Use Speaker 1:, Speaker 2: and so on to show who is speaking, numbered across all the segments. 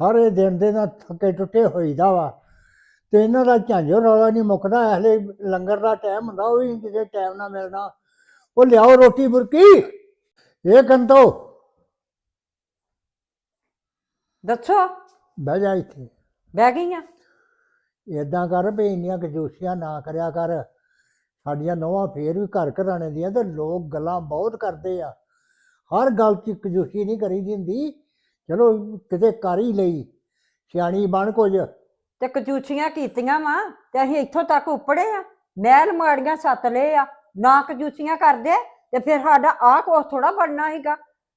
Speaker 1: सारे दिन दे ना थके टुटे होईदा वा ते इन्हां दा झांझो रौला नहीं मुकदा। हले लंगर दा टाइम हुंदा ओह भी किसे टाइम ना मिलना। ओ लियाओ रोटी बुरकी ये कंतो
Speaker 2: दसो
Speaker 1: बह जा इत्थे।
Speaker 2: बह गई हाँ।
Speaker 1: इदां कर भी इन्नियां कंजूसियां ना करया कर। साडियां नौवां फेर भी घर घराने दियां ते लोग गल्लां बहुत करदे आ। हर गल च कंजूसी नहीं करी दी हुंदी। चलो किते कर ही लई सियाणी बन कुछ।
Speaker 2: ते कंजूसियां कीतियां वा ते असीं इत्थों तक उपड़े आ। महल माड़ियां सत्त ले आ ना कंजूसियां करदे ते फिर साडा आ कुछ थोड़ा बनना सीगा।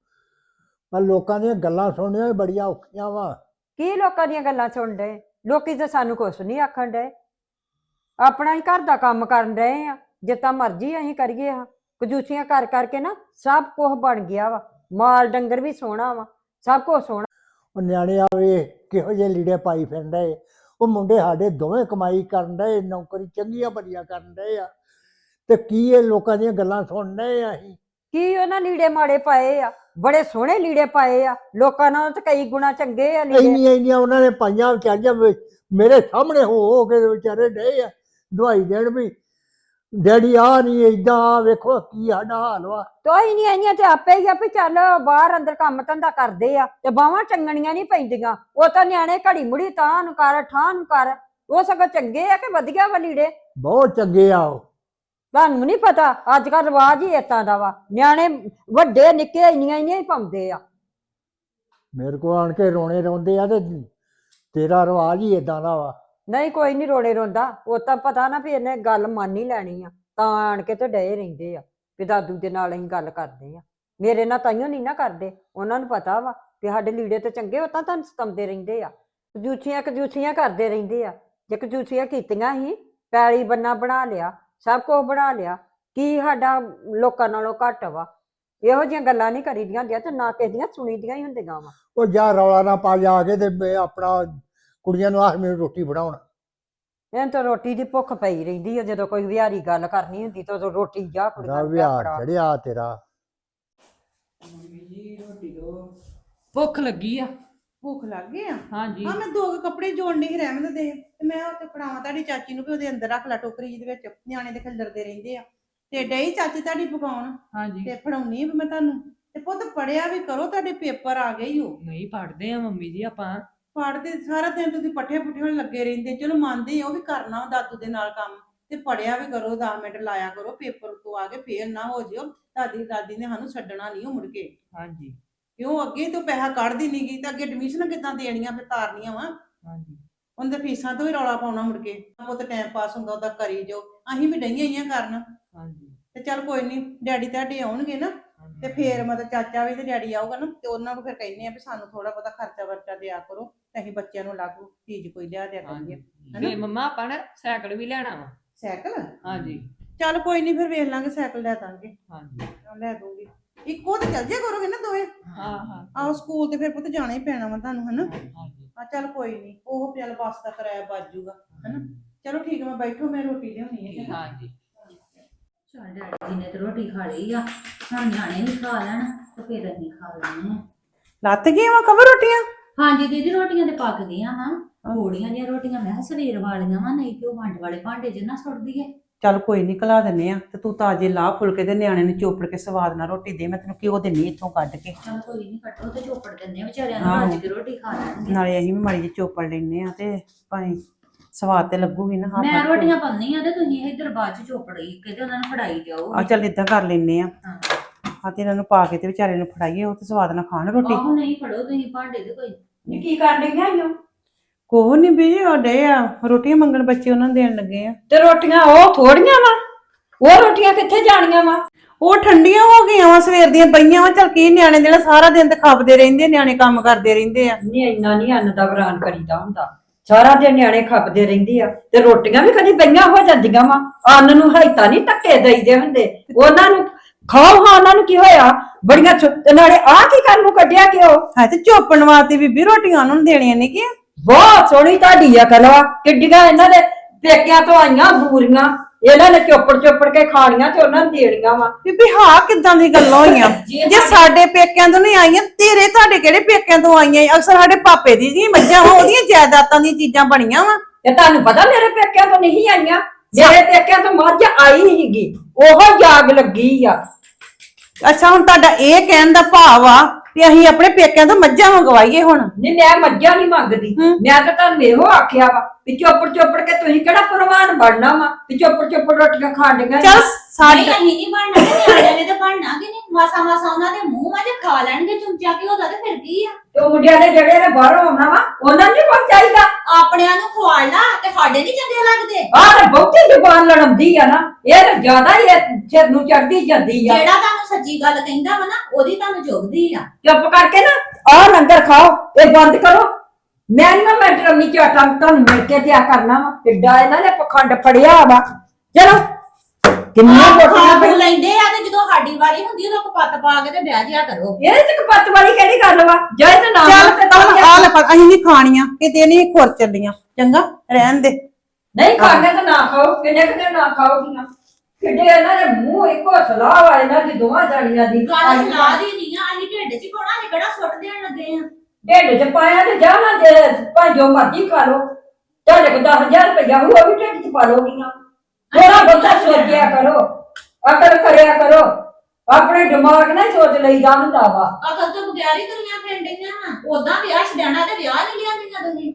Speaker 1: पर लोकां दियां गल्लां सुननियां भी बड़ियां औखियां वा।
Speaker 2: की लोकां दियां गल्लां सुन डए? लोकी ते सानू कुछ नहीं आखण डए। अपना ही घर दा काम करन डए आ। जितना मर्जी असीं करिए हाँ कंजूसियां कर करके ना सब कुछ बन गया वा। माल डंगर भी सोहना वा सब कुछ सोहना।
Speaker 1: ਉਹ ਨਿਆਣੇ ਆਵੇ ਕਿਹੋ ਜਿਹੇ ਲੀੜੇ ਪਾਈ ਫਿਰਦੇ। ਉਹ ਮੁੰਡੇ ਸਾਡੇ ਦੋਵੇਂ ਕਮਾਈ ਕਰਨ ਡਏ ਨੌਕਰੀ ਚੰਗੀਆਂ ਭਲੀਆਂ ਕਰਨ ਡਏ ਆ ਤੇ ਕੀ ਇਹ ਲੋਕਾਂ ਦੀਆਂ ਗੱਲਾਂ ਸੁਣ ਡਏ ਆ ਅਸੀਂ।
Speaker 2: ਕੀ ਉਹਨਾਂ ਲੀੜੇ ਮਾੜੇ ਪਾਏ ਆ? ਬੜੇ ਸੋਹਣੇ ਲੀੜੇ ਪਾਏ ਆ ਲੋਕਾਂ ਨਾਲੋਂ ਤਾਂ ਕਈ ਗੁਣਾ ਚੰਗੇ ਆ ਲੀੜੇ।
Speaker 1: ਇੰਨੀਆਂ ਉਹਨਾਂ ਨੇ ਪਾਈਆਂ ਵਿਚਾਰੀਆਂ ਮੇਰੇ ਸਾਹਮਣੇ ਹੋ ਕੇ ਵਿਚਾਰੇ ਡਏ ਆ ਦਵਾਈ ਦੇਣ ਵੀ ਡੈਡੀ ਆ ਨਹੀਂ ਏਦਾਂ ਆ ਵੇਖੋ ਕੀ ਸਾਡਾ ਹਾਲ ਵਾ।
Speaker 2: ਤੋਈ ਨਹੀਂ ਆਈਆਂ ਤੇ ਆਪੇ ਹੀ ਆ ਵੀ ਚੱਲ ਬਾਹਰ ਅੰਦਰ ਕੰਮ ਧੰਦਾ ਕਰਦੇ ਆ ਤੇ ਬਾਹਾਂ ਚੰਗਣੀਆਂ ਨਹੀਂ ਪੈਂਦੀਆਂ। ਉਹ ਤਾਂ ਨਿਆਣੇ ਘੜੀ ਮੁੜੀ ਤਾਂ ਨੂੰ ਕਰ ਠਾਂ ਨੂੰ ਕਰ। ਉਹ ਸਗੋਂ ਚੰਗੇ ਆ ਕਿ ਵਧੀਆ ਵਾ ਲੀੜੇ?
Speaker 1: ਬਹੁਤ ਚੰਗੇ ਆ ਉਹ।
Speaker 2: ਤੁਹਾਨੂੰ ਨਹੀਂ ਪਤਾ ਅੱਜ ਕੱਲ ਰਿਵਾਜ ਹੀ ਏਦਾਂ ਦਾ ਵਾ। ਨਿਆਣੇ ਵੱਡੇ ਨਿੱਕੇ ਇੰਨੀਆਂ ਹੀ ਪਾਉਂਦੇ ਆ।
Speaker 1: ਮੇਰੇ ਕੋਲ ਆਣ ਕੇ ਰੋਣੇ ਰੋਂਦੇ ਆ ਤੇ ਤੇਰਾ ਰਿਵਾਜ ਹੀ ਏਦਾਂ ਦਾ ਵਾ।
Speaker 2: ਨਹੀਂ ਕੋਈ ਨਹੀਂ ਰੋਣੇ ਰੋਂਦਾ। ਉਹ ਤਾਂ ਪਤਾ ਨਾ ਵੀ ਇਹਨੇ ਗੱਲ ਮੰਨ ਹੀ ਲੈਣੀ ਆ ਤਾਂ ਆਣ ਕੇ ਤੇ ਡਏ ਰਹਿੰਦੇ ਆ ਵੀ ਦਾਦੂ ਦੇ ਨਾਲ ਅਸੀਂ ਗੱਲ ਕਰਦੇ ਆ। ਮੇਰੇ ਨਾਲ ਤਾਈਓ ਨਹੀਂ ਨਾ ਕਰਦੇ। ਉਹਨਾਂ ਨੂੰ ਪਤਾ ਵਾ ਵੀ ਸਾਡੇ ਲੀੜੇ ਤੇ ਚੰਗੇ ਉਹ ਤਾਂ ਤੁਹਾਨੂੰ ਸਤਾਉਂਦੇ ਰਹਿੰਦੇ ਆ। ਕਜੂਸੀਆਂ ਕਰਦੇ ਰਹਿੰਦੇ ਆ। ਜੇ ਕਜੂਸੀਆਂ ਕੀਤੀਆਂ ਹੀ ਪੈਲੀ ਬੰਨਾ ਬਣਾ ਲਿਆ ਸਭ ਕੁਝ ਬਣਾ ਲਿਆ ਕੀ ਸਾਡਾ ਲੋਕਾਂ ਨਾਲੋਂ ਘੱਟ ਵਾ? ਇਹੋ ਜਿਹੀਆਂ ਗੱਲਾਂ ਨਹੀਂ ਕਰੀਦੀਆਂ ਹੁੰਦੀਆਂ ਤੇ ਨਾ ਕਿਸੇ ਦੀਆਂ ਸੁਣੀਦੀਆਂ ਹੀ ਹੁੰਦੀਆਂ ਵਾ।
Speaker 1: ਉਹ ਜਾ ਰੌਲਾ ਨਾ ਪਾ ਜਾ ਕੇ ਤੇ ਆਪਣਾ ਕੁੜੀਆਂ ਨੂੰ ਆਖ ਮੈਨੂੰ ਰੋਟੀ ਬਣਾਉਣ।
Speaker 2: ਇਹਨਾਂ ਤਾਂ ਰੋਟੀ ਦੀ ਭੁੱਖ ਪਈ ਰਹਿੰਦੀ ਆ। ਜਦੋਂ ਕੋਈ ਵਿਹਾਰੀ ਗੱਲ ਕਰਨੀ ਹੁੰਦੀ ਤਾਂ ਉਦੋਂ ਰੋਟੀ ਜਾ ਕੁੜੀਆਂ ਨੂੰ
Speaker 1: ਵਿਹਾਰ ਚੜਿਆ ਤੇਰਾ।
Speaker 3: ਭੁੱਖ ਲੱਗੀ ਆ।
Speaker 4: ਭੁੱਖ ਲੱਗ ਗਈ ਆ?
Speaker 3: ਹਾਂਜੀ
Speaker 4: ਹਾਂ ਮੈਂ ਦੋ ਕੱਪੜੇ ਜੋੜਨੇ ਹੀ ਰਹਿਮਤ ਦੇ ਤੇ ਮੈਂ ਉੱਥੇ ਫੜਾਵਾਂ ਤੁਹਾਡੀ ਚਾਚੀ ਨੂੰ ਵੀ ਉਹਦੇ ਅੰਦਰ ਰੱਖ ਲੈ ਟੋਕਰੀ ਜਿਹਦੇ ਵਿੱਚ ਨਿਆਣੇ ਦੇ ਖਿਲਰਦੇ ਰਹਿੰਦੇ ਆ ਤੇ ਡਈ ਚਾਚੀ ਤੁਹਾਡੀ ਪਕਾਉਣ
Speaker 3: ਹਾਂਜੀ
Speaker 4: ਤੇ ਫੜਾਉਣੀ ਵੀ ਮੈਂ ਤੁਹਾਨੂੰ। ਤੇ ਪੁੱਤ ਪੜਿਆ ਵੀ ਕਰੋ ਤੁਹਾਡੇ ਪੇਪਰ ਆ ਗਏ ਹੀ ਹੋ।
Speaker 3: ਨਹੀਂ ਪੜਦੇ ਆ ਮੰਮੀ ਜੀ ਆਪਾਂ।
Speaker 4: ਪੜਦੇ ਸਾਰਾ ਦਿਨ ਤੁਸੀਂ ਪੱਠੇ ਪੁੱਠੇ ਲੱਗੇ ਰਹਿੰਦੇ। ਚਲੋ ਮੰਨਦੇ ਉਹ ਵੀ ਕਰਨਾ ਦਾਦੂ ਦੇ ਨਾਲ ਕੰਮ ਤੇ ਪੜਿਆ ਵੀ ਕਰੋ 10 ਮਿੰਟ ਲਾਇਆ ਕਰੋ ਪੇਪਰ ਤੋਂ ਆ ਕੇ ਫੇਰ ਨਾ ਹੋ ਜਿਓ ਦਾਦੀ ਨੇ ਸਾਨੂੰ ਛੱਡਣਾ ਨਹੀਂ ਮੁੜ ਕੇ।
Speaker 3: ਹਾਂਜੀ
Speaker 4: ਕਿਉਂ ਅੱਗੇ ਤੋਂ ਪੈਸਾ ਕੱਢਦੀ ਨੀ ਗਈ ਤਾਂ ਅੱਗੇ ਐਡਮਿਸ਼ਨ ਕਿੱਦਾਂ ਦੇਣੀਆਂ ਫਿਰ ਤਾਰਨੀਆਂ ਵਾ।
Speaker 3: ਹਾਂਜੀ
Speaker 4: ਉਹਦੇ ਫੀਸਾਂ ਤੋਂ ਵੀ ਰੌਲਾ ਪਾਉਣਾ ਮੁੜ ਕੇ। ਉਹ ਤਾਂ ਟਾਈਮ ਪਾਸ ਹੁੰਦਾ ਉਹਦਾ ਕਰੀ ਜੋ। ਅਸੀਂ ਵੀ ਡਈਆਂ ਹੀ ਕਰਨ
Speaker 3: ਹਾਂਜੀ
Speaker 4: ਤੇ ਚੱਲ ਕੋਈ ਨਹੀਂ ਡੈਡੀ ਤੁਹਾਡੇ ਆਉਣਗੇ ਨਾ ਤੇ ਫੇਰ ਮਤਲਬ ਚਾਚਾ ਵੀ ਤੇ ਡੈਡੀ ਆਊਗਾ ਨਾ ਤੇ ਉਹਨਾਂ ਨੂੰ ਫਿਰ ਕਹਿੰਦੇ ਆ ਵੀ ਸਾਨੂੰ ਥੋੜਾ ਬਹੁਤਾ ਖਰਚਾ ਵਰਚਾ ਦਿਆ ਕਰੋ ਤੇ ਅਸੀਂ ਬੱਚਿਆਂ ਨੂੰ ਲਾਗੂ ਚੀਜ਼ ਕੋਈ ਲਿਆ ਦਿਆ ਕਰੀਏ।
Speaker 3: ਤੇ ਮੰਮਾ ਆਪਾਂ ਨੇ ਸਾਈਕਲ ਵੀ ਲੈਣਾ ਵਾ।
Speaker 4: ਸਾਈਕਲ?
Speaker 3: ਹਾਂਜੀ
Speaker 4: ਚੱਲ ਕੋਈ ਨਹੀਂ ਫਿਰ ਵੇਖ ਲਾਂਗੇ ਸਾਈਕਲ ਲੈ ਦਾਂਗੇ।
Speaker 3: ਹਾਂਜੀ
Speaker 4: ਲੈ ਦੂੰਗੀ। ਇੱਕੋ ਤੇ ਚੱਲ ਜਿਆ ਕਰੋਗੇ ਨਾ ਦੋਵੇਂ।
Speaker 3: ਹਾਂ ਹਾਂ
Speaker 4: ਆਹੋ ਸਕੂਲ ਤੇ ਫਿਰ ਪੁੱਤ ਜਾਣਾ ਹੀ ਪੈਣਾ ਵਾ ਤੁਹਾਨੂੰ ਹਨਾ।
Speaker 3: ਹਾਂਜੀ
Speaker 4: ਆ ਚੱਲ ਕੋਈ ਨਹੀਂ ਉਹ ਚੱਲ ਬੱਸ ਦਾ ਕਿਰਾਇਆ ਬਚ ਜੂਗਾ ਹਨਾ। ਚਲੋ ਠੀਕ ਹੈ ਮੈਂ ਬੈਠੋ ਮੈਂ ਰੋਟੀ ਲਿਆਉਣੀ ਹੈ।
Speaker 3: ਹਾਂਜੀ
Speaker 5: ਚੱਲ ਡੈਡੀ ਜੀ ਨੇ ਤੇ ਰੋਟੀ ਖਾ ਲਈ ਆ ਹੁਣ ਨਿਆਣੇ ਵੀ ਖਾ ਲੈਣ ਤੇ ਫਿਰ ਅਸੀਂ ਖਾ ਲੈਣੇ ਆ।
Speaker 4: ਲੱਤ ਗਈਆਂ ਵਾ ਕਵਰ ਰੋਟੀਆਂ?
Speaker 5: ਹਾਂਜੀ ਦੀਦੀ ਰੋਟੀਆਂ ਤੇ ਪੱਕ ਗਈਆਂ ਹਾਂ ਥੋੜੀਆਂ ਜਿਹੀਆਂ ਰੋਟੀਆਂ ਮੈਂ ਕਿਹਾ ਸਵੇਰ ਵਾਲੀਆਂ ਵਾ ਨਹੀਂ ਤੇ ਉਹ ਵੰਡ ਵਾਲੇ ਭਾਂਡੇ 'ਚ ਨਾ ਸੁੱਟ ਦਈਏ।
Speaker 4: ਚੱਲ ਕੋਈ ਨਹੀਂ ਖਲਾ ਦਿੰਨੇ ਆ ਤੇ ਤੂੰ ਤਾਜੇ ਲਾਹ ਫੁਲਕੇ ਦੇ ਨਿਆਣੇ ਨੂੰ ਚੋਪੜ ਕੇ ਸਵਾਦ ਨਾਲ ਰੋਟੀ ਦੇ। ਮੈਂ ਤੈਨੂੰ ਘਿਓ ਦਿੰਨੀ ਇੱਥੋਂ ਕੱਢ ਕੇ।
Speaker 5: ਚੱਲ ਕੋਈ ਨਹੀਂ ਕੱਟੋ ਤੇ ਚੋਪੜ ਦਿੰਦੇ ਆ ਵਿਚਾਰਿਆਂ ਨੂੰ ਰੱਜ ਕੇ ਰੋਟੀ ਖਾ ਲੈਣਗੇ।
Speaker 4: ਨਾਲੇ ਅਸੀਂ ਵੀ ਮਾੜੀ ਜਿਹੀ ਚੋਪੜ ਲੈਨੇ ਆ ਤੇ ਭਾਵੇਂ ਸਵਾਦ ਤੇ ਲੱਗੂਗੀ ਨਾ।
Speaker 5: ਮੈਂ ਰੋਟੀਆਂ ਪਾਉਣੀ ਆ ਤੇ ਤੁਸੀਂ ਇੱਧਰ ਬਾਅਦ ਚ ਚੋਪੜੀ ਕਿਤੇ ਉਹਨਾਂ ਨੂੰ ਫੜਾਈ ਜਾਓ।
Speaker 4: ਆ ਚੱਲ ਇਦਾਂ ਕਰ ਲੈਨੇ ਆ
Speaker 5: ਹਾਂ
Speaker 4: ਆ ਤੇ ਇਹਨਾਂ ਨੂੰ ਪਾ ਕੇ ਤੇ ਵਿਚਾਰੇ ਨੂੰ ਫੜਾਈਏ ਉਹ ਤੇ ਸਵਾਦ ਨਾਲ ਖਾਣ ਰੋਟੀ।
Speaker 5: ਆਹੋ ਨਹੀਂ ਫੜੋ ਤੁਸੀਂ ਭਾਂਡੇ ਦੇ ਕੋਈ।
Speaker 2: ਕੀ ਕਰਨ ਡਈਆਂ ਈਓ?
Speaker 4: ਕੋਹ ਨਹੀਂ ਬੀਜੀ ਉਹ ਡੇ ਆ ਰੋਟੀਆਂ ਮੰਗਣ ਬੱਚੇ ਉਹਨਾਂ ਨੂੰ ਦੇਣ ਲੱਗੇ ਆ।
Speaker 2: ਤੇ ਰੋਟੀਆਂ ਉਹ ਥੋੜੀਆਂ ਵਾ? ਉਹ ਰੋਟੀਆਂ ਕਿੱਥੇ ਜਾਣੀਆਂ ਵਾ?
Speaker 4: ਉਹ ਠੰਡੀਆਂ ਹੋ ਗਈਆਂ ਵਾ ਸਵੇਰ ਦੀਆਂ ਪਈਆਂ ਵਾ। ਚੱਲ ਕੀ ਨਿਆਣੇ ਜਿਹੜਾ ਸਾਰਾ ਦਿਨ ਤੇ ਖਾਪਦੇ ਰਹਿੰਦੇ ਨਿਆਣੇ ਕੰਮ ਕਰਦੇ ਰਹਿੰਦੇ ਆ।
Speaker 2: ਨਹੀਂ ਇੰਨਾ ਨਹੀਂ ਅੰਨ ਦਾ ਬਰਾਨ ਕਰੀਦਾ ਹੁੰਦਾ। ਸਾਰਾ ਦਿਨ ਨਿਆਣੇ ਖਪਦੇ ਰਹਿੰਦੇ ਆ ਤੇ ਰੋਟੀਆਂ ਵੀ ਕਦੀ ਪਈਆਂ ਹੋ ਜਾਂਦੀਆਂ ਵਾ। ਅੰਨ ਨੂੰ ਹਾਈਤਾ ਨਹੀਂ ਧੱਕੇ ਦੇਈਦੇ ਹੁੰਦੇ ਉਹਨਾਂ ਨੂੰ। ਖਾਓ ਹਾਂ ਉਹਨਾਂ ਨੂੰ ਕੀ ਹੋਇਆ ਬੜੀਆਂ ਨਾਲੇ ਆ ਕੀ ਕਰਨ ਨੂੰ ਕੱਢਿਆ ਕਿਉਂ?
Speaker 4: ਹੈ ਤੇ ਚੋਪਣ ਵਾਸਤੇ ਬੀਬੀ ਰੋਟੀਆਂ ਉਹਨਾਂ ਨੂੰ ਦੇਣੀਆਂ ਨੇ ਕਿ
Speaker 2: ਬਹੁਤ ਸੋਹਣੀ ਤੁਹਾਡੀ ਅਕਲ ਵਾ। ਕਿੱਡੀਆਂ ਇਹਨਾਂ ਦੇ ਪੇਕਿਆਂ ਤੋਂ ਆਈਆਂ ਬੂਰੀਆਂ ਇਹਨਾਂ ਨੇ ਚੋਪੜ ਕੇ ਖਾਣੀਆਂ ਤੇ ਉਹਨਾਂ ਨੂੰ ਦੇਣੀਆਂ ਵਾ।
Speaker 4: ਬੀਬੀ ਹਾਂ ਕਿੱਦਾਂ ਦੀ ਗੱਲਾਂ ਹੋਈਆਂ ਜੇ ਸਾਡੇ ਪੇਕਿਆਂ ਤੋਂ ਨਹੀਂ ਆਈਆਂ ਤੇਰੇ ਤੁਹਾਡੇ ਕਿਹੜੇ ਪੇਕਿਆਂ ਤੋਂ ਆਈਆਂ ਅਕਸਰ ਸਾਡੇ ਪਾਪੇ ਦੀ ਜੀ ਮੱਝਾਂ ਵਾ ਉਹਦੀਆਂ ਜਾਇਦਾਦਾਂ ਦੀਆਂ ਚੀਜ਼ਾਂ ਬਣੀਆਂ ਵਾ
Speaker 2: ਤੇ ਤੁਹਾਨੂੰ ਪਤਾ ਮੇਰੇ ਪੇਕਿਆਂ ਤੋਂ ਨਹੀਂ ਆਈਆਂ, ਮੇਰੇ ਪੇਕਿਆਂ ਤੋਂ ਮੱਝ ਆਈ ਸੀਗੀ, ਉਹ ਜਾਗ ਲੱਗੀ ਆ।
Speaker 4: ਅੱਛਾ ਹੁਣ ਤੁਹਾਡਾ ਇਹ ਕਹਿਣ ਦਾ ਭਾਵ ਆ ਵੀ ਅਸੀਂ ਆਪਣੇ ਪੇਕਿਆਂ ਤੋਂ ਮੱਝਾਂ ਮੰਗਵਾਈਏ ਹੁਣ
Speaker 2: ਨਹੀਂ ਮੈਂ ਮੱਝਾਂ ਨਹੀਂ ਮੰਗਦੀ, ਮੈਂ ਤਾਂ ਤੁਹਾਨੂੰ ਇਹੋ ਆਖਿਆ ਵਾ ਵੀ ਚੋਪੜ ਕੇ ਤੁਸੀਂ ਕਿਹੜਾ ਪ੍ਰਵਾਨ ਬਣਨਾ ਵਾ ਵੀ ਚੋਪੜ ਰੋਟੀਆਂ ਖਾਣੀਆਂ।
Speaker 4: ਚੱਲ
Speaker 5: ਨਹੀਂ
Speaker 4: ਸਾਡੇ
Speaker 5: ਅਸੀਂ ਨਹੀਂ ਬਣਨਾ ਤੇ ਨਿਆਣਿਆਂ ਨੇ ਤਾਂ ਬਣਨਾ ਕਿ ਨਹੀਂ, ਮਾਸਾ ਉਹਨਾਂ ਦੇ ਮੂੰਹ ਮਾਂ ਜੇ ਖਾ ਲੈਣਗੇ ਚੁੰਚਾ ਕੀ ਉਹਦਾ ਤੇ ਫਿਰ ਕੀ ਆ।
Speaker 2: ਤੇ ਉਹ ਮੁੰਡਿਆਂ ਦੇ ਜਿਹੜੇ ਨੇ ਬਾਹਰੋਂ ਆਉਣਾ ਵਾ ਉਹਨਾਂ ਨੂੰ ਕੁਝ ਚਾਹੀਦਾ।
Speaker 5: ਆਪਣਿਆਂ ਨੂੰ ਖਵਾਲ ਲਾ ਤੇ ਸਾਡੇ ਨਹੀਂ ਚੰਗੇ ਲੱਗਦੇ।
Speaker 2: ਆਹ ਤੇ ਬਹੁਤੀ ਜ਼ੁਬਾਨ ਲੜਮਦੀ ਆ ਨਾ, ਇਹ ਤਾਂ ਜ਼ਿਆਦਾ ਹੀ ਸਿਰ ਨੂੰ ਚੜਦੀ ਜਾਂਦੀ ਆ।
Speaker 5: ਜਿਹੜਾ ਤੁਹਾਨੂੰ ਸੱਚੀ ਗੱਲ ਕਹਿੰਦਾ ਵਾ ਨਾ ਉਹਦੀ ਤੁਹਾਨੂੰ ਚੁਗਦੀ ਆ।
Speaker 2: ਚੁੱਪ ਕਰਕੇ ਨਾ ਆਹ ਲੰਗਰ ਖਾਓ, ਇਹ ਬੰਦ ਕਰੋ। ਮੈਂ ਨਾ ਮੈਂ ਡਰਮੀ ਚ ਆਟਾ ਤੁਹਾਨੂੰ ਮਿਲ ਕੇ ਦਿਆ ਕਰਨਾ ਵਾ, ਕਿੱਡਾ ਇਹਨਾਂ ਨੇ ਪਖੰਡ ਫੜਿਆ ਵਾ। ਚਲੋ ਕਿੰਨੀਆਂ
Speaker 5: ਖਾ
Speaker 2: ਰੋਟੀਆਂ
Speaker 5: ਖੂ ਲੈਂਦੇ ਆ ਤੇ ਜਦੋਂ ਸਾਡੀ ਵਾਰੀ ਹੁੰਦੀ ਉਦੋਂ ਕਪੱਤ ਪਾ ਕੇ ਤੇ ਬਹਿ ਜਿਆ ਕਰੋ।
Speaker 2: ਇਹ ਚ ਕਪੱਤ ਵਾਲੀ ਕਿਹੜੀ ਗੱਲ ਵਾ? ਜੇ ਤੇ ਨਾ
Speaker 4: ਚੱਲ
Speaker 2: ਤੇ ਤਾਂ
Speaker 4: ਆ ਲੈ ਪਰ ਅਸੀਂ ਨਹੀਂ ਖਾਣੀਆਂ ਕਿਤੇ ਨਹੀਂ ਖੁਰ ਚੱਲੀਆਂ ਚੰਗਾ ਰਹਿਣ ਦੇ
Speaker 2: ਨਹੀਂ ਖਾਣੇ ਤਾਂ ਨਾ ਖਾਓ, ਕਿੰਨੇ ਕਿਤੇ ਨਾ ਖਾਓਗੀਆਂ। ਕਿੱਡੇ ਇਹਨਾਂ ਦੇ ਮੂੰਹ ਇੱਕੋ ਸਲਾਹ ਵਾ ਇਹਨਾਂ ਦੀ ਦੋਵਾਂ ਜਾਣੀਆਂ ਦੀ।
Speaker 5: ਗੱਲ ਸਲਾਹ ਦੀ ਨਹੀਂ ਆ, ਅਸੀਂ ਢਿੱਡ 'ਚ ਹੀ ਪਾਉਣਾ, ਅਸੀਂ ਕਿਹੜਾ ਸੁੱਟ ਦੇਣ ਲੱਗੇ ਆ।
Speaker 2: ਢਿੱਡ ਚ ਪਾਇਆ ਤੇ ਜਾਣਾ ਜੇ ਭਾਵੇਂ ਜੋ ਮਰਜ਼ੀ ਖਾ ਲੋ। ਤੁਹਾਡੇ ਕੋਲ 10,000 ਰੁਪਇਆ ਹੋਊ ਉਹ ਵੀ ਢਿੱਡ ਚ ਪਾ ਲੋਗੀਆਂ। ਥੋੜਾ ਬਹੁਤਾ ਸੋਚਿਆ ਕਰੋ, ਅਕਲ ਕਰਿਆ ਕਰੋ, ਆਪਣੇ ਦਿਮਾਗ ਨਾਲ ਸੋਚ ਲਈਦਾ ਹੁੰਦਾ ਵਾ।
Speaker 5: ਅਕਲ ਤੋਂ ਬਗੈਰ ਹੀ ਦੁਨੀਆ ਫਿਰਦੀਆਂ ਵਾ। ਉਦਾਂ ਵਿਆਹ ਛਡਾਣਾ ਤੇ ਵਿਆਹ ਨਹੀਂ ਲਿਆਂਦੀਆਂ ਤੁਸੀਂ।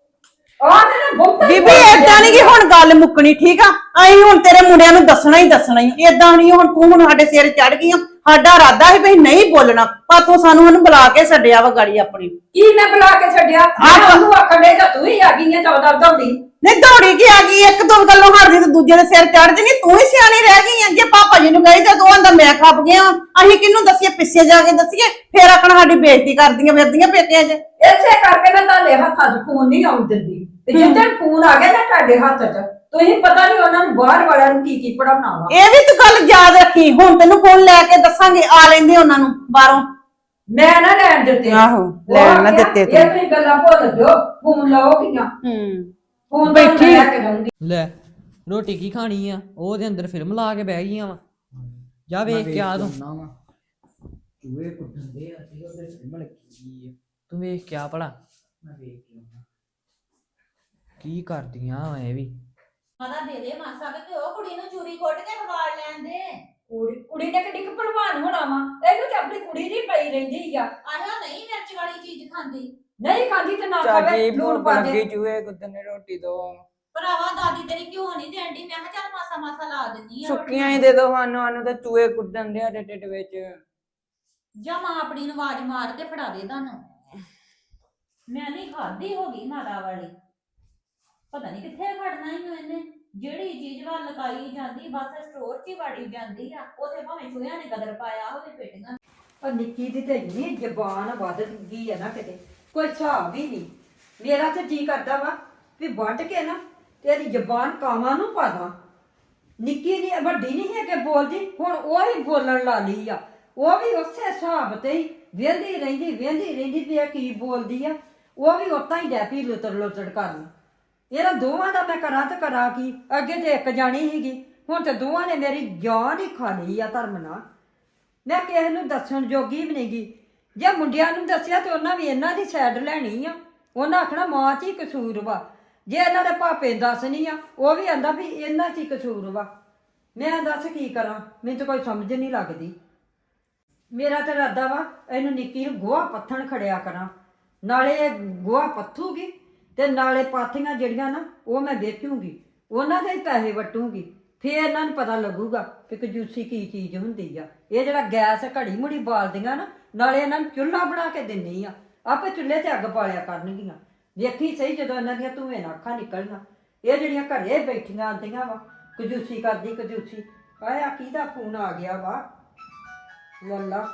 Speaker 2: ਆਹ ਤੇ ਨਾ ਬਹੁਤਾ
Speaker 4: ਬੀਬੀ ਏਦਾਂ ਨਹੀਂ ਕਿ ਹੁਣ ਗੱਲ ਮੁੱਕਣੀ ਠੀਕ ਆ ਅਸੀਂ ਹੁਣ ਤੇਰੇ ਮੁੰਡਿਆਂ ਨੂੰ ਦੱਸਣਾ ਹੀ ਏਦਾਂ ਨਹੀਂ ਹੁਣ ਤੂੰ ਹੁਣ ਸਾਡੇ ਸਿਰ ਚੜ ਗਈ ਆ ਸਾਡਾ ਇਰਾਦਾ ਸੀ ਵੀ ਨਹੀਂ ਬੋਲਣਾ ਪਰ ਤੂੰ ਸਾਨੂੰ ਬੁਲਾ ਕੇ ਛੱਡਿਆ ਵਾ ਗਾੜੀ ਆਪਣੀ
Speaker 2: ਕੀ ਮੈਂ ਬੁਲਾ ਕੇ ਛੱਡਿਆ? ਤੂੰ ਆਖਣ ਦੇ ਤਾਂ ਤੂੰ ਹੀ ਆ ਗਈ ਹੈ ਚੌਦਾ ਦੌੜੀ।
Speaker 4: ਨਹੀਂ ਦੌੜੀ ਕੀ ਆ ਗਈ ਇੱਕ ਦੋ ਗੱਲੋਂ ਹਟਦੀ ਤੇ ਦੂਜੇ ਦੇ ਸਿਰ ਚੜ ਜਣੀ ਤੂੰ ਹੀ ਸਿਆਣੀ ਰਹਿ ਗਈ ਆ ਜੇ ਪਾਪਾ ਜੀ ਨੂੰ ਕਹੀ ਤਾਂ ਦੋਵਾਂ ਦਾ ਮੈਂ ਖੱਪ ਗਿਆ ਅਸੀਂ ਕਿਹਨੂੰ ਦੱਸੀਏ ਪਿੱਛੇ ਜਾ ਕੇ ਦੱਸੀਏ ਫੇਰ ਆਖਣ ਸਾਡੀ ਬੇਇੱਜ਼ਤੀ ਕਰਦੀਆਂ ਫਿਰਦੀਆਂ ਪੇਕਿਆਂ 'ਚ
Speaker 2: ਇਸੇ ਕਰਕੇ ਮੈਂ ਤੁਹਾਡੇ ਹੱਥਾਂ 'ਚ ਫੋਨ ਨਹੀਂ ਆਉਣ ਦਿੰਦੀ ਤੇ ਜਿੱਦਣ ਫੋਨ ਆ ਗਿਆ ਨਾ ਤੁਹਾਡੇ ਹੱਥ 'ਚ ਤੁਸੀਂ ਪਤਾ ਨਹੀਂ ਉਹਨਾਂ ਨੂੰ ਬਾਹਰ ਵਾਲਿਆਂ ਨੂੰ ਕੀ ਪੜਾਉਣਾ ਵਾ।
Speaker 4: ਇਹ ਵੀ ਤੂੰ ਗੱਲ ਯਾਦ ਰੱਖੀ ਹੁਣ ਤੈਨੂੰ ਫੋਨ ਲੈ ਕੇ ਦੱਸਾਂਗੇ ਆ ਲੈਂਦੇ ਉਹਨਾਂ ਨੂੰ ਬਾਹਰੋਂ
Speaker 2: ਮੈਂ ਨਾ ਲੈਣ ਦਿੱਤੇ।
Speaker 4: ਆਹੋ, ਲੈਣ ਨਾ ਦਿੱਤੇ ਤੂੰ।
Speaker 2: ਇਹ ਤੁਸੀਂ ਗੱਲਾਂ ਭੁੱਲ ਜਾਓ, ਫੋਨ ਲਾਓਗੀਆਂ। ਫੋਨ
Speaker 4: ਬੈਠੀ।
Speaker 2: ਲੈ ਕੇ ਦਊਂਗੀ।
Speaker 3: ਲੈ ਰੋਟੀ ਕੀ ਖਾਣੀ ਆ? ਉਹਦੇ ਅੰਦਰ ਫਿਲਮ ਲਾ ਕੇ ਬਹਿ ਗਈਆਂ ਵਾ। ਜਾ ਵੇਖ ਕੇ ਆ ਤੂੰ।
Speaker 6: ਚੂਹੇ ਕੁੱਟਦੇ ਆ ਤੇ ਉਹਦੇ ਫਿਲਮ ਲੱਗੀ ਆ।
Speaker 3: ਤੂੰ ਵੇਖ ਕੇ ਆ ਭਲਾ
Speaker 6: ਮੈਂ ਵੇਖ ਕੇ ਆਉਣਾ।
Speaker 3: ਕੀ ਕਰਦੀਆਂ ਵਾ ਇਹ ਵੀ।
Speaker 5: ਮਾਦਾ ਦੇ ਦੇ ਮਾਸਾ ਕਿ ਉਹ ਕੁੜੀ ਨੂੰ ਚੂਰੀ ਕੁੱਟ ਕੇ ਖਵਾਲ ਲੈਂਦੇ।
Speaker 2: ਕੁੜੀ ਨੇ ਕਿੱਡੀ ਕੁ ਭਲਵਾਨ ਹੋਣਾ ਵਾ, ਇਹਨੂੰ ਤੇ ਆਪਣੀ ਕੁੜੀ ਦੀ ਪਈ ਰਹਿੰਦੀ ਆ।
Speaker 5: ਆਹੋ ਨਹੀਂ ਮਿਰਚ ਵਾਲੀ ਚੀਜ਼ ਖਾਂਦੀ।
Speaker 2: ਨਹੀਂ ਖਾਂਦੀ ਤੇ ਨਾ
Speaker 6: ਚਾਚੀ
Speaker 2: ਖਾਵੇ, ਲੂਣ
Speaker 6: ਭੁੱਖ
Speaker 2: ਪਾ
Speaker 6: ਲੱਗੀ
Speaker 2: ਦੇ।
Speaker 6: ਚੂਹੇ ਕੁੱਟਣੇ ਰੋਟੀ ਦੋ
Speaker 5: ਭਰਾਵਾ ਦਾਦੀ ਤੇਰੀ ਕਿਉਂ ਨਹੀਂ ਦੇਂਦੀ? ਮੈਂ ਕਿਹਾ ਚੱਲ ਮਾਸਾ ਮਾਸਾ ਲਾ ਦਿੰਦੀ ਆ।
Speaker 6: ਸੁੱਕੀਆਂ ਹੀ ਦੇ ਦੋ ਸਾਨੂੰ ਤਾਂ ਚੂਹੇ ਕੁੱਟਣ ਦੇ ਆ ਢਿੱਡ ਵਿੱਚ।
Speaker 5: ਜਾਂ ਮਾਂ ਆਪਣੀ ਨੂੰ ਆਵਾਜ਼ ਮਾਰ ਕੇ ਫੜਾ ਦੇ ਤੁਹਾਨੂੰ। ਮੈਂ ਨਹੀਂ ਖਾਦੀ ਹੋ ਗਈ ਮਾਤਾ ਵਾਲੀ। ਪਤਾ ਨਹੀਂ ਕਿੱਥੇ ਖੜਨਾ ਹੀ ਇਹਨੇ। ਜਿਹੜੀ ਚੀਜ਼ ਵੱਲ ਲਕਾਈ ਜਾਂਦੀ ਬਸ ਸਟੋਰ 'ਚ ਹੀ ਵੜੀ ਜਾਂਦੀ ਆ। ਉਥੇ ਭਾਵੇਂ ਚੂਹਿਆਂ ਨੇ ਕਦਰ ਪਾਇਆ ਹੋਵੇ ਪੇਟੀਆਂ।
Speaker 2: ਉਹ ਨਿੱਕੀ ਦੀ ਤੇ ਇੰਨੀ ਜ਼ਬਾਨ ਵੱਧ ਗਈ ਆ ਨਾ ਕਿਤੇ ਕੋਈ ਹਿਸਾਬ ਹੀ ਨਹੀਂ। ਮੇਰਾ ਤੇ ਜੀ ਕਰਦਾ ਵਾ ਵੀ ਵੱਢ ਕੇ ਨਾ ਤੇਰੀ ਜ਼ਬਾਨ ਕਾਵਾਂ ਨੂੰ ਪਾ ਦਾਂ। ਨਿੱਕੀ ਦੀ ਵੱਡੀ ਨਹੀਂ ਹੈ ਕਿ ਬੋਲਦੀ, ਹੁਣ ਉਹ ਹੀ ਬੋਲਣ ਲਾ ਲਈ ਆ। ਉਹ ਵੀ ਉਸੇ ਹਿਸਾਬ ਤੇ ਹੀ ਵੇਂਦੀ ਰਹਿੰਦੀ ਵੀ ਇਹ ਕੀ ਬੋਲਦੀ ਆ। ਉਹ ਵੀ ਉਤਾਂ ਹੀ ਡੈ ਪਈ ਲੁੱਤੜ ਕਰਨ। ਇਹਨਾਂ ਦੋਵਾਂ ਦਾ ਮੈਂ ਕਰਾਂ ਤੇ ਕਰਾਂ ਕੀ? ਅੱਗੇ ਤੇ ਇੱਕ ਜਾਣੀ ਸੀਗੀ, ਹੁਣ ਤੇ ਦੋਵਾਂ ਨੇ ਮੇਰੀ ਜਾਨ ਹੀ ਖਾ ਲਈ ਆ ਧਰਮ ਨਾਲ। ਮੈਂ ਕਿਸੇ ਨੂੰ ਦੱਸਣ ਜੋਗੀ ਵੀ ਨਹੀਂਗੀ। ਜੇ ਮੁੰਡਿਆਂ ਨੂੰ ਦੱਸਿਆ ਤੇ ਉਹਨਾਂ ਵੀ ਇਹਨਾਂ ਦੀ ਸਾਈਡ ਲੈਣੀ ਆ। ਉਹਨਾਂ ਆਖਣਾ ਮਾਂ 'ਚ ਹੀ ਕਸੂਰ ਵਾ। ਜੇ ਇਹਨਾਂ ਦੇ ਭਾਪੇ ਦੱਸਣੀ ਆ ਉਹ ਵੀ ਆਂਦਾ ਵੀ ਇਹਨਾਂ 'ਚ ਹੀ ਕਸੂਰ ਵਾ। ਮੈਂ ਦੱਸ ਕੀ ਕਰਾਂ? ਮੈਨੂੰ ਤਾਂ ਕੋਈ ਸਮਝ ਨਹੀਂ ਲੱਗਦੀ। ਮੇਰਾ ਤਾਂ ਇਰਾਦਾ ਵਾ ਇਹਨੂੰ ਨਿੱਕੀ ਨੂੰ ਗੋਹਾ ਪੱਥਣ ਖੜਿਆ ਕਰਾਂ। ਨਾਲੇ ਇਹ ਗੋਹਾ ਪੱਥੂਗੀ ਤੇ ਨਾਲੇ ਪਾਥੀਆਂ ਜਿਹੜੀਆਂ ਨਾ ਉਹ ਮੈਂ ਵੇਚੂਗੀ, ਉਹਨਾਂ ਦੇ ਹੀ ਪੈਸੇ ਵਟੂਗੀ। ਫੇਰ ਇਹਨਾਂ ਨੂੰ ਪਤਾ ਲੱਗੂਗਾ ਕਿ ਕੰਜੂਸੀ ਕੀ ਚੀਜ਼ ਹੁੰਦੀ ਆ। ਇਹ ਜਿਹੜਾ ਗੈਸ ਘੜੀ ਮੁੜੀ ਬਾਲਦੀਆਂ ਨਾ, ਨਾਲੇ ਇਹਨਾਂ ਨੂੰ ਚੁੱਲ੍ਹਾ ਬਣਾ ਕੇ ਦਿੰਦੀ ਆ। ਆਪੇ ਚੁੱਲ੍ਹੇ 'ਤੇ ਅੱਗ ਬਾਲਿਆ ਕਰਨਗੀਆਂ। ਵੇਖੀ ਸਹੀ ਜਦੋਂ ਇਹਨਾਂ ਦੀਆਂ ਧੂਏ ਨਾਲ ਅੱਖਾਂ ਨਿਕਲਣਾ। ਇਹ ਜਿਹੜੀਆਂ ਘਰੇ ਬੈਠੀਆਂ ਆਉਂਦੀਆਂ ਵਾ ਕੰਜੂਸੀ ਕਰਦੀ। ਆਇਆ ਕਿਹਦਾ ਫੋਨ ਆ ਗਿਆ ਵਾ? ਲੱਲਾ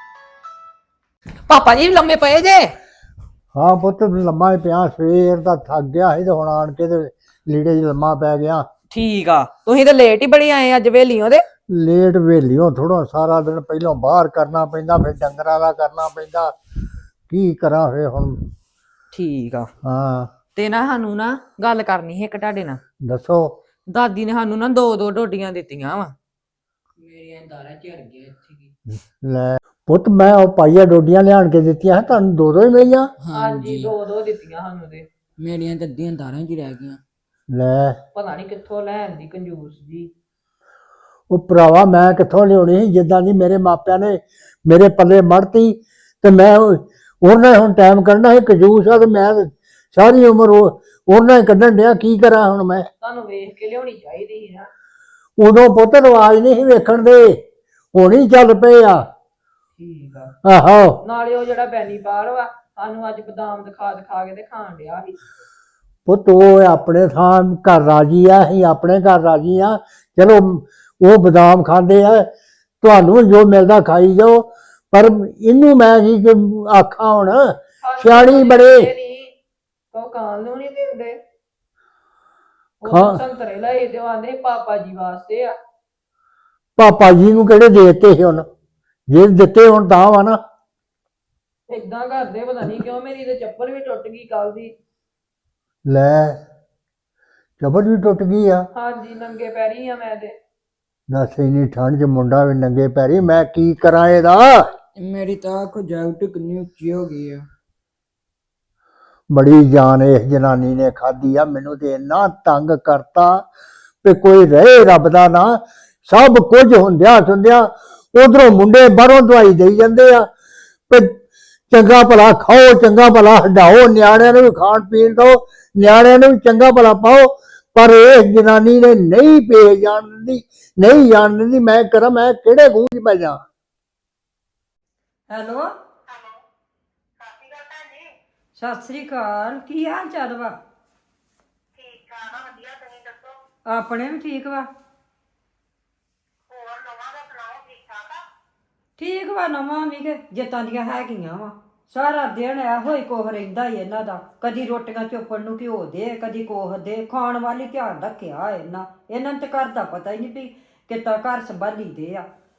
Speaker 3: ਪਾਪਾ ਜੀ ਲੰਮੇ ਪਏ ਜੇ?
Speaker 1: ਹਾਂ ਪੁੱਤ ਲੰਮਾ ਹੀ ਪਿਆ, ਸਵੇਰ ਦਾ ਥੱਕ ਗਿਆ ਸੀ ਤੇ ਹੁਣ ਆਣ ਕੇ ਤੇ ਲੀੜੇ 'ਚ ਲੰਮਾ ਪੈ ਗਿਆ।
Speaker 3: ਠੀਕ ਆ, ਤੁਸੀਂ ਤਾਂ ਲੇਟ ਹੀ ਬੜੀ ਆਏ ਅੱਜ ਵੇਲੀਆਂ ਦੇ।
Speaker 1: ਲੇਟ ਵੇਲੀਓ ਥੋੜਾ ਸਾਰਾ ਦਿਨ ਪਹਿਲਾਂ ਬਾਹਰ ਕਰਨਾ ਪੈਂਦਾ, ਫਿਰ ਡੰਗਰਾਂ ਦਾ ਕਰਨਾ ਪੈਂਦਾ। ਕੀ ਕਰਾਂ ਫੇ ਹੁਣ?
Speaker 3: ਠੀਕ ਆ।
Speaker 1: ਹਾਂ
Speaker 3: ਤੇ ਨਾ ਸਾਨੂੰ ਨਾ ਗੱਲ ਕਰਨੀ ਹੈ ਇੱਕ ਤੁਹਾਡੇ ਨਾਲ।
Speaker 1: ਦੱਸੋ।
Speaker 3: ਦਾਦੀ ਨੇ ਸਾਨੂੰ ਨਾ ਦੋ ਦੋ ਡੋਡੀਆਂ ਦਿੱਤੀਆਂ ਵਾ।
Speaker 6: ਮੇਰੀਆਂ ਦਾਰਾਂ ਝੜ ਗਈਆਂ ਇੱਥੇ ਕੀ।
Speaker 1: ਲੈ ਪੁੱਤ ਮੈਂ ਉਹ ਪਾਈਆ ਡੋਡੀਆਂ ਲਿਆਣ ਕੇ ਦਿੱਤੀਆਂ ਤੁਹਾਨੂੰ ਦੋ ਦੋ ਹੀ ਮਿਲੀਆਂ।
Speaker 6: ਹਾਂਜੀ
Speaker 3: ਦੋ ਦੋ ਦਿੱਤੀਆਂ ਸਾਨੂੰ ਤੇ।
Speaker 6: ਮੇਰੀਆਂ ਤਾਂ ਅੱਧੀਆਂ ਦਾਰਾਂ 'ਚ ਹੀ ਰਹਿ ਗਈਆਂ।
Speaker 1: ਲੈ
Speaker 3: ਪਤਾ ਨਹੀਂ ਕਿੱਥੋਂ ਲੈਣ ਦੀ ਕੰਜੂਸ ਜੀ।
Speaker 1: ਉਹ ਭਰਾਵਾ ਮੈਂ ਕਿੱਥੋਂ ਲਿਆਉਣੀ ਸੀ, ਜਿੱਦਾਂ ਦੀ ਮੇਰੇ ਮਾਪਿਆਂ ਨੇ ਮੇਰੇ ਪੱਲੇ ਮੜਤੀ ਤੇ ਮੈਂ ਉਹਨਾਂ ਹੁਣ ਟਾਈਮ ਕੱਢਣਾ ਸੀ, ਕੰਜੂਸ ਆ ਤੇ ਮੈਂ ਸਾਰੀ ਉਮਰ ਉਹਨਾਂ ਹੀ ਕੱਢਣ ਡਿਆ, ਕੀ ਕਰਾਂ ਹੁਣ ਮੈਂ।
Speaker 3: ਤੁਹਾਨੂੰ ਵੇਖ ਕੇ ਲਿਆਉਣੀ ਚਾਹੀਦੀ ਸੀ ਨਾ।
Speaker 1: ਉਦੋਂ ਪੁੱਤ ਰਿਵਾਜ ਨਹੀਂ ਸੀ ਵੇਖਣ ਦੇ, ਹੁਣ ਹੀ ਚੱਲ ਪਏ ਆ।
Speaker 3: ਠੀਕ ਆ।
Speaker 1: ਆਹੋ
Speaker 3: ਨਾਲੇ ਉਹ ਜਿਹੜਾ ਬੈਨੀਪਾਲ ਵਾ ਸਾਨੂੰ ਅੱਜ ਬਦਾਮ ਦਿਖਾ ਕੇ ਤੇ ਖਾਣ ਡਿਆ ਸੀ।
Speaker 1: ਪੁੱਤ ਉਹ ਆਪਣੇ ਥਾਂ ਘਰ ਰਾਜੀ ਆ, ਅਸੀਂ ਆਪਣੇ ਘਰ ਰਾਜੀ ਆ। ਚਲੋ ਉਹ ਬਦਾਮ ਖਾਂਦੇ ਆ, ਤੁਹਾਨੂੰ ਜੋ ਮਿਲਦਾ ਖਾਈ ਜਾਓ, ਪਰ ਇਹਨੂੰ ਮੈਂ ਕੀ ਆਖਾਂ ਹੁਣ, ਸਿਆਣੀ ਬੜੇ।
Speaker 3: ਉਹ ਖਾਣ ਨੂੰ ਨਹੀਂ ਦਿੰਦੇ।
Speaker 1: ਖਾ
Speaker 3: ਉਹ ਸੰਤਰੇ ਲਈ ਤੇ ਆਂਦੇ ਪਾਪਾ ਜੀ ਵਾਸਤੇ ਆ।
Speaker 1: ਪਾਪਾ ਜੀ ਨੂੰ ਕਿਹੜੇ ਦੇ ਦਿੱਤੇ ਸੀ ਹੁਣ, ਜੇ ਦਿੱਤੇ ਹੁਣ ਤਾਂ ਵਾ ਨਾ।
Speaker 3: ਏਦਾਂ ਕਰਦੇ ਪਤਾ ਨਹੀਂ ਕਿਉਂ, ਮੇਰੀ ਤੇ ਚੱਪਲ ਵੀ ਟੁੱਟ ਗਈ ਕੱਲ ਦੀ।
Speaker 1: ਲੈ ਚੱਪਲ ਵੀ ਟੁੱਟ ਗਈ ਆ।
Speaker 3: ਹਾਂਜੀ ਨੰਗੇ ਪੈਰੀ ਆ ਮੈਂ ਤੇ।
Speaker 1: ਦੱਸ ਇੰਨੀ ਠੰਡ 'ਚ ਮੁੰਡਾ ਵੀ ਨੰਗੇ ਪੈਰੀ, ਮੈਂ ਕੀ ਕਰਾਂ ਇਹਦਾ।
Speaker 6: ਮੇਰੀ ਤਾਂ ਆਖੋ ਜੈਕਟ ਕਿੰਨੀ ਉੱਚੀ ਹੋ ਗਈ ਆ।
Speaker 1: ਬੜੀ ਜਾਨ ਇਸ ਜਨਾਨੀ ਨੇ ਖਾਧੀ ਆ, ਮੈਨੂੰ ਤੇ ਇੰਨਾ ਤੰਗ ਕਰਤਾ ਵੀ ਕੋਈ ਰਹੇ ਰੱਬ ਦਾ ਨਾ। ਸਭ ਕੁਝ ਹੁੰਦਿਆਂ ਸੁਣਦਿਆਂ ਉਧਰੋਂ ਮੁੰਡੇ ਬਾਹਰੋਂ ਦਵਾਈ ਦੇਈ ਜਾਂਦੇ ਆ ਤੇ ਚੰਗਾ ਭਲਾ ਖਾਓ, ਚੰਗਾ ਭਲਾ ਹਟਾਓ, ਨਿਆਣਿਆਂ ਨੂੰ ਵੀ ਖਾਣ ਪੀਣ ਦਿਓ, ਨਿਆਣਿਆਂ ਨੂੰ ਵੀ ਚੰਗਾ ਭਲਾ ਪਾਓ, ਪਰ ਇਹ ਜਨਾਨੀ ਨੇ ਨਹੀਂ ਪੇ ਜਾਣ ਦਿੰਦੀ, ਨਹੀਂ ਜਾਣ ਦਿੰਦੀ। ਮੈਂ ਕਰਾਂ ਮੈਂ ਕਿਹੜੇ ਖੂਹ 'ਚ ਪੈ ਜਾ।
Speaker 2: ਹੈਲੋ ਸਤਿ ਸ੍ਰੀ ਅਕਾਲ, ਕੀ ਹਾਲ ਚਾਲ ਵਾ?
Speaker 7: ਠੀਕ ਠਾਕ ਆ, ਵਧੀਆ। ਤੁਸੀਂ ਦੱਸੋ?
Speaker 2: ਆਪਣੇ ਵੀ ਠੀਕ ਵਾ।
Speaker 7: ਹੋਰ ਨਵਾਂ ਦਾ ਸੁਣਾਓ, ਠੀਕ ਠਾਕ ਆ?
Speaker 2: ਠੀਕ ਵਾ, ਨਵਾਂ ਵੀ ਕਿ ਜਿੱਤਾਂ ਦੀਆਂ ਹੈਗੀਆਂ ਵਾ। ਸਾਰਾ ਦਿਨ ਇਹੋ ਹੀ ਕੁਛ ਰਹਿੰਦਾ ਹੀ ਇਹਨਾਂ ਦਾ, ਕਦੀ ਰੋਟੀਆਂ ਚੋਪੜ ਨੂੰ ਘਿਓ ਦੇ, ਕਦੀ ਕੋਹ ਦੇ। ਖਾਣ ਵਾਲੀ ਧਿਆਨ ਰੱਖਿਆ ਇਹਨਾਂ ਨੂੰ ਤੇ ਘਰ ਦਾ ਪਤਾ ਹੀ ਨਹੀਂ ਵੀ ਕਿੱਦਾਂ ਘਰ ਸੰਭਾਲੀ ਦੇ ਆ।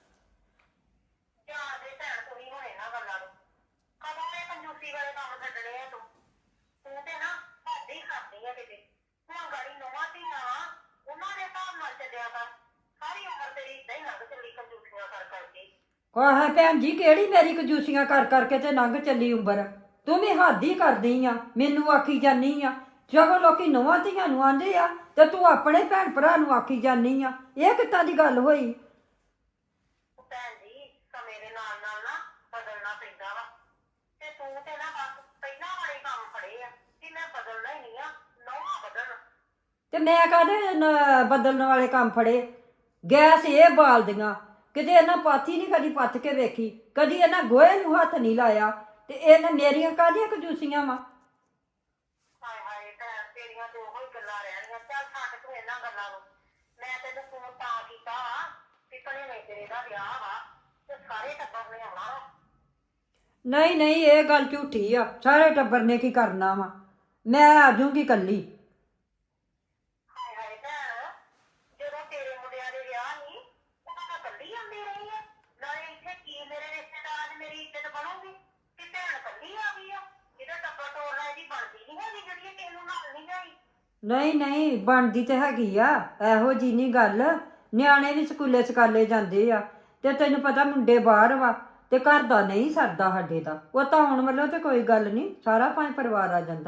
Speaker 7: ਜਾਣਦੇ ਭੈਣ ਤੁਸੀਂ ਹੁਣ ਇਹਨਾਂ ਗੱਲਾਂ ਨੂੰ, ਕਦੋਂ ਇਹ ਕੰਜੂਸੀ ਵਾਲੇ ਕੰਮ ਛੱਡਣੇ ਆ? ਤੂੰ ਤੇ ਨਾ ਹੱਦ ਹੀ ਕਰਦੀ ਆ ਕਿਤੇ। ਹੁਣ ਗਾੜੀ ਨਵਾਂ ਧੀਆਂ ਵਾ, ਉਹਨਾਂ ਦੇ ਹਿਸਾਬ ਨਾਲ ਚੱਲਿਆ ਕਰ। ਸਾਰੀ ਉਮਰ ਤੇਰੀ ਏਦਾਂ ਹੀ ਲੰਘ ਚੱਲੀ ਕੰਜੂਸੀਆਂ ਕਰ ਕਰਕੇ।
Speaker 2: ਆਹ ਭੈਣ ਜੀ, ਕਿਹੜੀ ਮੇਰੀ ਕੰਜੂਸੀਆਂ ਕਰ ਕਰਕੇ ਤੇ ਲੰਘ ਚੱਲੀ ਉਮਰ। ਤੂੰ ਵੀ ਹੱਦ ਹੀ ਕਰਦੀ ਆ, ਮੈਨੂੰ ਆਖੀ ਜਾਨੀ ਆ। ਜਦੋਂ ਲੋਕੀ ਨਵਾਂ ਧੀਆਂ ਨੂੰ ਆਂਦੇ ਆ ਤੇ ਤੂੰ ਆਪਣੇ ਭੈਣ ਭਰਾ ਨੂੰ ਆਖੀ ਜਾਨੀ ਆ। ਇਹ ਕਿੱਦਾਂ ਦੀ ਗੱਲ ਹੋਈ?
Speaker 7: ਭੈਣ ਜੀ ਸਮੇਂ ਦੇ ਨਾਲ ਨਾਲ ਨਾ ਬਦਲਣਾ ਪੈਂਦਾ ਵਾ, ਤੇ ਤੂੰ ਤੇ ਨਾ ਬਸ ਪਹਿਲਾਂ ਵਾਲੇ ਕੰਮ ਫੜੇ ਆ ਕਿ ਮੈਂ ਬਦਲਣਾ ਹੀ ਨਹੀਂ ਆ, ਨਵਾਂ ਬਦਲਣਾ।
Speaker 2: ਤੇ ਮੈਂ ਕਾਹਦੇ ਬਦਲਣ ਵਾਲੇ ਕੰਮ ਫੜੇ? ਗੈਸ ਇਹ ਬਾਲਦੀਆਂ, ਕਿਤੇ ਇਹਨਾਂ ਪਾਥੀ ਨਹੀਂ ਕਦੀ ਪੱਥ ਕੇ ਵੇਖੀ, ਕਦੀ ਇਹਨਾਂ ਗੋਹੇ ਨੂੰ ਹੱਥ ਨਹੀਂ ਲਾਇਆ, ਤੇ ਇਹਨਾਂ ਮੇਰੀਆਂ ਕਾਹਦੀਆਂ ਕੰਜੂਸੀਆਂ ਵਾ?
Speaker 7: ਹਾਏ ਹਾਏ ਭੈਣ, ਤੇਰੀਆਂ ਤੇ ਉਹੀ ਗੱਲਾਂ ਰਹਿਣੀਆਂ। ਚੱਲ ਛੱਡ ਤੂੰ ਇਹਨਾਂ ਗੱਲਾਂ ਨੂੰ। ਮੈਂ ਤੈਨੂੰ ਫੋਨ ਤਾਂ ਕੀਤਾ ਵਾ ਕਿ ਭਣੇਵੇਂ ਤੇਰੇ ਦਾ ਵਿਆਹ ਵਾ ਤੇ ਸਾਰੇ ਟੱਬਰ ਨੇ ਆਉਣਾ ਵਾ।
Speaker 2: ਨਹੀਂ ਨਹੀਂ, ਇਹ ਗੱਲ ਝੂਠੀ ਆ। ਸਾਰੇ ਟੱਬਰ ਨੇ ਕੀ ਕਰਨਾ ਵਾ, ਮੈਂ ਆ ਜਾਊਂਗੀ ਇਕੱਲੀ।
Speaker 7: ਹਾਏ ਹਾਏ ਭੈਣ, ਜਦੋਂ ਤੇਰੇ ਮੁੰਡਿਆਂ ਦੇ ਵਿਆਹ ਨਹੀਂ, ਉਹਨਾਂ ਤਾਂ ਕੱਲੀ ਆਉਂਦੀ ਰਹੀ ਆ। ਨਾਲੇ ਇੱਥੇ ਕੀ ਮੇਰੇ ਰਿਸ਼ਤੇਦਾਰਾਂ 'ਚ ਮੇਰੀ ਇੱਜ਼ਤ ਬਣੂਗੀ ਕਿ ਭੈਣ ਕੱਲੀ ਆ ਗਈ ਆ? ਇਹਦਾ ਟੱਬਰ ਟੋਲਣਾ ਇਹਦੀ ਬਣਦੀ ਨਹੀਂ ਹੈਗੀ ਜਿਹੜੀ ਇਹ ਕਿਸੇ ਨੂੰ ਨਾਲ ਨਹੀਂ ਜਾਈ।
Speaker 2: ਨਹੀਂ ਨਹੀਂ, ਬਣਦੀ ਤੇ ਹੈਗੀ ਆ, ਇਹੋ ਜੀ ਨਹੀਂ ਗੱਲ। ਨਿਆਣੇ ਵੀ ਸਕੂਲੇ ਸਕਾਲੇ ਜਾਂਦੇ ਆ, ਤੇ ਤੈਨੂੰ ਪਤਾ ਮੁੰਡੇ ਬਾਹਰ ਵਾ, ਤੇ ਘਰ ਦਾ ਨਹੀਂ ਸਰਦਾ ਸਾਡੇ ਦਾ। ਉਹ ਤਾਂ ਹੁਣ ਵੱਲੋਂ ਤੇ ਕੋਈ ਗੱਲ ਨਹੀਂ, ਸਾਰਾ ਪੰਜ ਪਰਿਵਾਰ ਆ ਜਾਂਦਾ।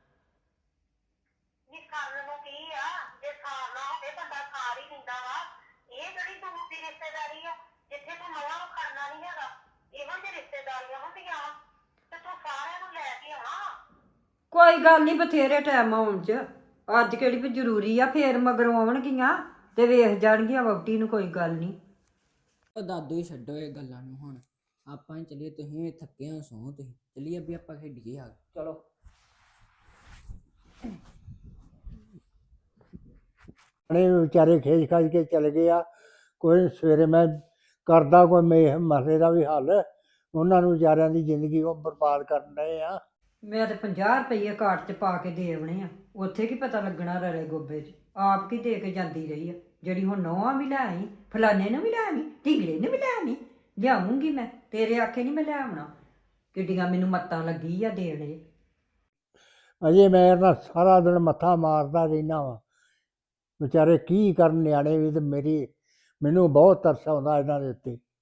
Speaker 7: ਨੀ ਕਰਨ ਨੂੰ ਕੀ ਆ, ਜੇ ਸਾਰ ਨਾ ਹੋਵੇ ਬੰਦਾ ਸਾਰ ਹੀ ਦਿੰਦਾ ਵਾ। ਇਹ ਜਿਹੜੀ ਦੂਰ ਦੀ ਰਿਸ਼ਤੇਦਾਰੀ ਆ, ਜਿੱਥੇ ਤੂੰ ਨਵਾਂ ਨੂੰ ਖੜਨਾ ਨਹੀਂ ਹੈਗਾ, ਇਹੋ ਜਿਹੀ ਰਿਸ਼ਤੇਦਾਰੀਆਂ ਹੁੰਦੀਆਂ ਵਾ, ਤੇ ਤੂੰ ਸਾਰਿਆਂ ਨੂੰ ਲੈ ਕੇ ਆਉਣਾ ਵਾ।
Speaker 2: ਕੋਈ ਗੱਲ ਨਹੀਂ, ਬਥੇਰੇ ਟਾਈਮ ਆਉਣ 'ਚ। ਅੱਜ ਕਿਹੜੀ ਵੀ ਜ਼ਰੂਰੀ ਆ, ਫੇਰ ਮਗਰੋਂ ਆਉਣਗੀਆਂ ਤੇ ਵੇਖ ਜਾਣਗੀਆਂ ਵਹੁਟੀ ਨੂੰ। ਕੋਈ ਗੱਲ ਨਹੀਂ।
Speaker 6: ਉਹ ਦਾਦੂ ਹੀ ਛੱਡੋ ਇਹ ਗੱਲਾਂ ਨੂੰ ਹੁਣ, ਆਪਾਂ ਹੀ ਚੱਲੀਏ। ਤੁਸੀਂ ਵੀ ਥੱਕੇ ਹੋ, ਸੌਂ ਤੁਸੀਂ। ਚੱਲੀਏ ਵੀ ਆਪਾਂ ਖੇਡੀਏ ਆ।
Speaker 3: ਚਲੋ।
Speaker 1: ਨੇ ਵਿਚਾਰੇ ਖੇਜ ਖਾਜ ਕੇ ਚਲੇ ਗਏ ਆ। ਕੋਈ ਸਵੇਰੇ ਮੈਂ ਕਰਦਾ ਕੋਈ ਮਸਲੇ ਦਾ ਵੀ ਹੱਲ। ਉਹਨਾਂ ਨੂੰ ਵਿਚਾਰਿਆਂ ਦੀ ਜ਼ਿੰਦਗੀ ਉਹ ਬਰਬਾਦ ਕਰਨ ਡਏ ਆ।
Speaker 2: ਮੈਂ ਤੇ 50 ਰੁਪਈਏ ਕਾਰਟ 'ਚ ਪਾ ਕੇ ਦੇ ਆਉਣੇ ਆ, ਉੱਥੇ ਕੀ ਪਤਾ ਲੱਗਣਾ ਰਲੇ ਗੋਬੇ 'ਚ। ਆਪ ਕੀ ਦੇ ਕੇ ਜਾਂਦੀ ਰਹੀ ਆ, ਜਿਹੜੀ ਹੁਣ ਨੌਵਾਂ ਵੀ ਲੈ ਆਈ, ਫਲਾਣੇ ਨੂੰ ਵੀ ਲੈ ਆਵੀਂ, ਢੀਂਗੜੇ ਨੂੰ ਵੀ ਲੈ ਆਵੀਂ। ਲਿਆਉਂਗੀ ਮੈਂ, ਤੇਰੇ ਆਖੇ ਨਹੀਂ ਮੈਂ ਲੈ ਆਉਣਾ। ਕਿੱਡੀਆਂ ਮੈਨੂੰ ਮੱਤਾਂ ਲੱਗੀ ਆ ਦੇਣੇ।
Speaker 1: ਅਜੇ ਮੈਂ ਇਹਨਾਂ ਸਾਰਾ ਦਿਨ ਮੱਥਾ ਮਾਰਦਾ ਰਹਿਣਾ ਵਾ। ਵਿਚਾਰੇ ਕੀ ਕਰਨ ਨਿਆਣੇ ਵੀ, ਤੇ ਮੈਨੂੰ ਬਹੁਤ ਤਰਸ ਆਉਂਦਾ ਇਹਨਾਂ ਦੇ ਉੱਤੇ।